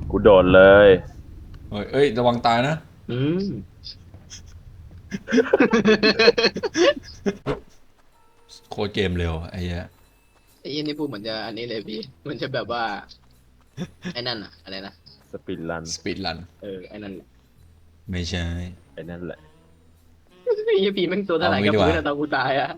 กูโดดเลยเอ้ยระวังตายนะอืมโคตรเกมเร็วไอ้เหี้ยไอ้ยี่นี่พูดเหมือนจะอันนี้เลยพี่มันจะแบบว่าไอ้นั่นอะอะไรนะสปินรันสปีดรันไอ้นั่นแหละไม่ใช่ไอ้นั่นแหละไอ้ยี่พี่แม่งตัวเท่าเอาไหร่งี้ดีกว่ากับพื้นอะตอนกูตายอะ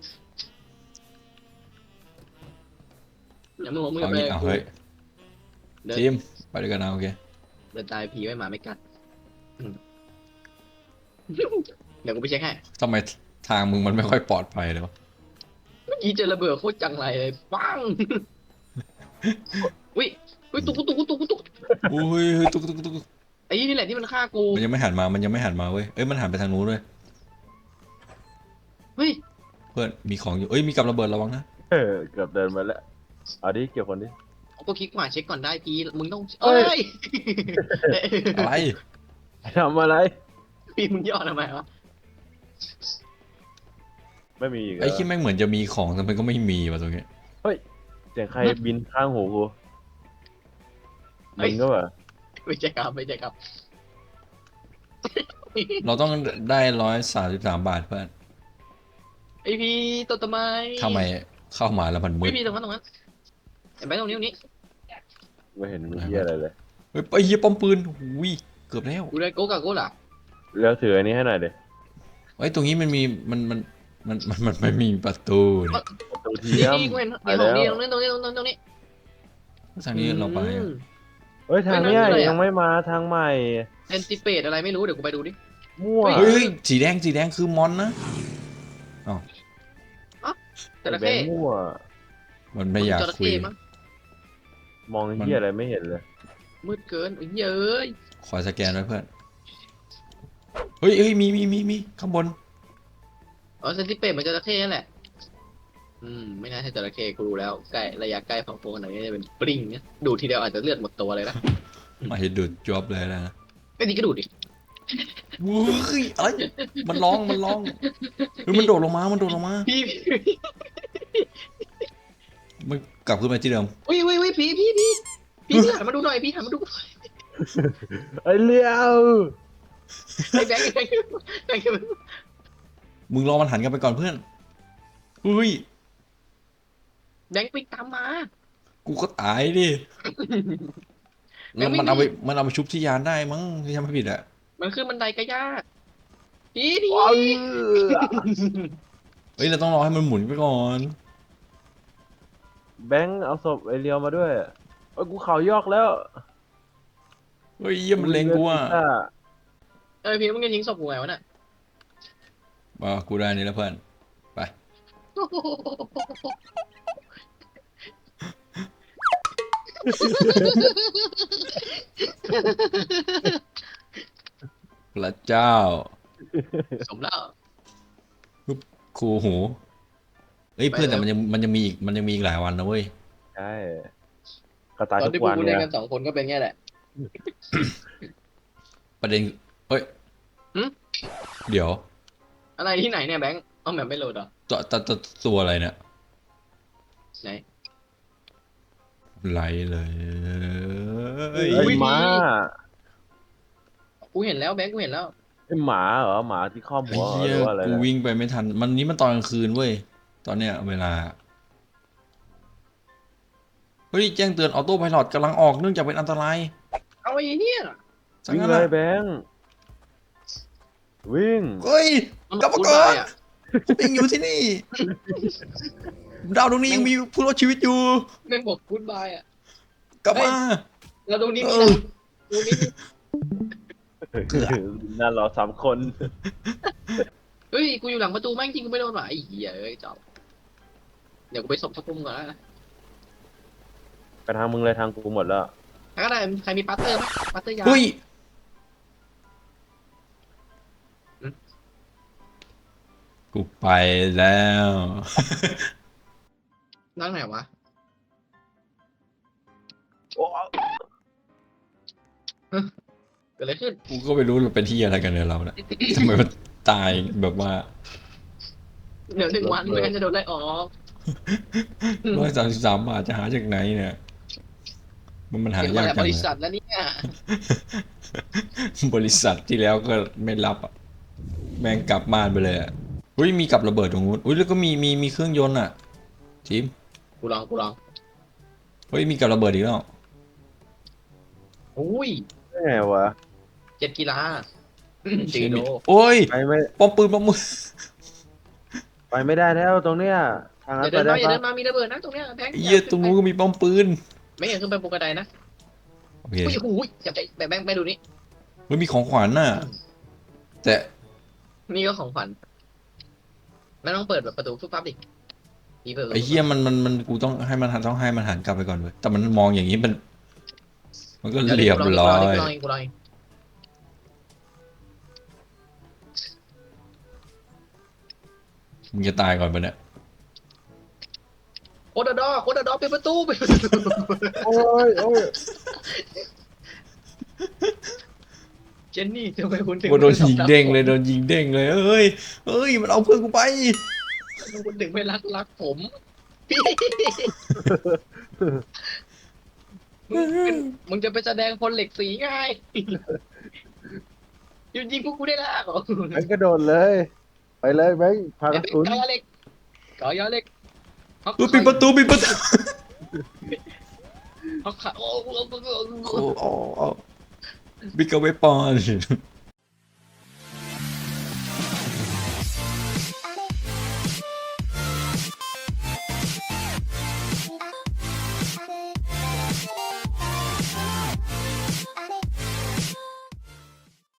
อย่ามึงบอกมึงจะไปเอางี้เอากูเฮ้ยเดินทีมไปด้วยกันนะโอเคเดินตายผีไว้หมาไม่กัดอืมเดี๋ยวกูไปเช็คให้ทำไมทางมึงมันไม่ค่อยปลอดภัยเลยวะเมื่อกี้เจอระเบิดโคตรจังไรเลยปังอุ้ยอุ้ยตุ๊กอุ้ยตุ๊กไอ้ยี่นี่แหละที่มันฆ่ากูมันยังไม่หันมามันยังไม่หันมาเว้ยเอ้ยมันหันไปทางนู้นเลยเฮ้ยเพื่อนมีของอยู่เอ้ยมีกับระเบิดระวังนะเกือบเดินมาแล้วเอาดิเกี่ยวคนดิเอาก็คลิกขวาเช็คก่อนได้พี่มึงต้องเอ้ยอะไรทำอะไรพี่มึงย่อทำไมวะไม่มีอีกเหรไอ้อที่แม่งเหมือนจะมีของแต่มันก็ไม่มีว่ะตรงนี้เฮ้ยเสียงใครบินข้างหูกูมึงก็แบบไม่ใช่ครับไม่ใช่ครับเราต้องได้133 บาทเพื่อนไอพี่ตัวทำไมทำไมเข้ามาแล้วมันมืดพี่ตรงนั้นเห็นไหมตรงนี้ไม่เห็นมีเหี้ยอะไรเลยเฮ้ยไอ้เหี้ยป้อมปืนอุ้ยเกือบแล้วกูได้โกกาโก้ล่ะแล้วถืออันนี้ให้หน่อยดิไอ้ยตรงนี้มันมีมันไม่มีประตูนี่ประตูเทีนี่ยมกูเห็นไปของแล้วดีตรงนี้ทางนี้เราไปอะเฮ้ยทางเนี้ยไม่นั่นเลยอะยังไม่มาทางใหม่เอนติเปตอะไรไม่รู้เดี๋ยวกูไปดูดิมั่วเฮ้ยสีแดงคือมอนนะอ๋อจระแบเข้งค์มั่วมันไม่อยากจระคุยเข้มั้งมองเหี้ยอะไรไม่เห็นเลยมืดเกินเย้ยขอสแกนไว้เพื่อนเฮ้ยมีข้างบนอ๋อเซนติเปตมันจระเข้นั่นแหละไม่น่าใช่จระเข้กูรู้แล้วใกล้ระยะใกล้ของโฟนไหนจะเป็นปริงเนี่ยดูทีเดียวอาจจะเลือดหมดตัวเลยนะมาเห็นดูดจอบเลยนะไอ้นี่ก็ดูดิวุ้ยอะไรมันร้องเฮ้ยมันโดดลงมาพี่มันกลับขึ้นมาที่เดิมอุ้ยพี่หันมาดูหน่อยพี่หันมาดูไอ้เลี้ยวไอ้แบงค์มึงรอมันหันกันไปก่อนเพื่อนอุ้ยแบงค์ปิกตามมากูก็ตายดิแล้วมันเอาไปชุบที่ยานได้มั้งที่ทำไม่ผิดอะมันขึ้นบันไดก็ยากพี่ว้าวเฮ้ยเราต้องรอให้มันหมุนไปก่อนแบงค์เอาศพไอ้เลี้ยวมาด้วยเอ้ยกูเข่ายอกแล้วเฮ้ยเยี่ยมมันเลงกูอะพี่มึงจะทิ้งศพกูไงวะน่ะกูได้นี่แล้วเพื่อนไปพระเจ้าสมแล้วคูหูเฮ้ยเพื่อนไปแล้วแต่มันยังมีอีกหลายวันนะเว้ยใช่ก็ตายตอนทุที่กพววักนกูเนี่เล่นยกัน2 คนก็เป็นแง่แหละประเด็นเฮ้ยหึเดี๋ยวอะไรที่ไหนเนี่ยแบงค์เอาแบบไม่โหลดเหรอตัวอะไรเนี่ยไหนไหลเลยเฮ้ยอุ๊ยหมากูเห็นแล้วแบงค์กูเห็นแล้วไอ้หมาเหรอหมาที่ครอบหัวเหรอไอ้เหี้ยหรือว่าอะไรกูนะวิ่งไปไม่ทันนี้มันตอนกลางคืนเว้ยตอนเนี้ยเวลาเฮ้ยแจ้งเตือนออโต้ไพลอตกำลังออกเนื่องจากเป็นอันตรายเอาไอ้เนี่ยสังวิ่งงั้นเลอะยแบงค์วิ่งเฮ้ยมันกลับมาพูดก่อได้นอะผมยังอยู่ที่นี่ดาวดวงนี้ยังมีผู้รอดชีวิตอยู่แม่งบอกพูดบายอ่ะกลับมาแล้วตรงนี้เอมีอนะตรงนี้น่ารอ3 คนเฮ้ยกูอยู่หลังประตูแม่งจริงกูไม่โดนหรอไอ้เหี้ยจอบเดี๋ยวกูไปส่งสักพุ่มก่อนนะไปทางมึงเลยทางกูหมดแล้วใครก็ได้ใครมีปัตเตอร์ไหมปัตเตอร์ยาเฮ้ยกูไปแล้วนั่งไหนวะโอ้เกิดอะไรขึ้นกูก็ไม่รู้เราเป็นที่อะไรกันเนี่ยเราเนี่ยทำไมมันตายแบบว่าเดี๋ยว1 วันไม่งั้นจะโดนไล่ออก 133 บาทจะหาจากไหนเนี่ยมันหาเดี๋ยวมายากแล้วจับงริเลษัยทแล้วเนี่ยบริษัทที่แล้วก็ไม่รับอ่ะแม่งกลับบ้านไปเลยอ่ะอุ้ยมีกับระเบิดตรงนู้นอุ้ยแล้วก็มีเครื่องยนต์อ่ะทีมกูลองเฮ้ยมีกับระเบิดอีกแล้วอุ้ยได้ไงวะเจ็ดกีฬาจีโดโอ้ยไปไม่ป้อมปืนป้อมมือไปไม่ได้แล้วตรงเนี้ยทางอนั้ย่าน เดิไปนได้มาอย่าปะเดินมามีระเบิดนะตรงเนี้ยแบงค์เหี้ยตรงนู้นก็มีป้อมปืนไม่อยากขึ้นไปบนกระไดนะโอเคอุ้ยอุ้ยจับใจแบงค์ไปดูนี่เฮ้ยมีของขวัญน่ะแต่นี่ก็ของขวัญไม่ต้องเปิดแบบประตูฟุบฟับดิอีเปิดไอ้เหี้ยมันกูต้องให้มันหันกลับไปก่อนเว้ยแต่มันมองอย่างนี้มันก็เรียบร้อยกูลองมึงจะตายก่อนปะเนี่ยโคดาดอปิดประตูไปโอ้ยโอ้ยเจนนี่ทำไมคุณถึงกูโดนยิงเด้งเลยโดนยิงเด้งเลยเอ้ยมันเอาเพื่อนกูไปคุณถึงไม่รักผมพี่มึงจะไปแสดงพลเหล็กสีไงยิงพวกกูได้แล้วเหรอแบงค์กระโดดเลย ไปเลยแบงค์พากระสุนกอยาเหล็กปิดประตูเขาขาโอ้โอ้บิ๊กเวปอน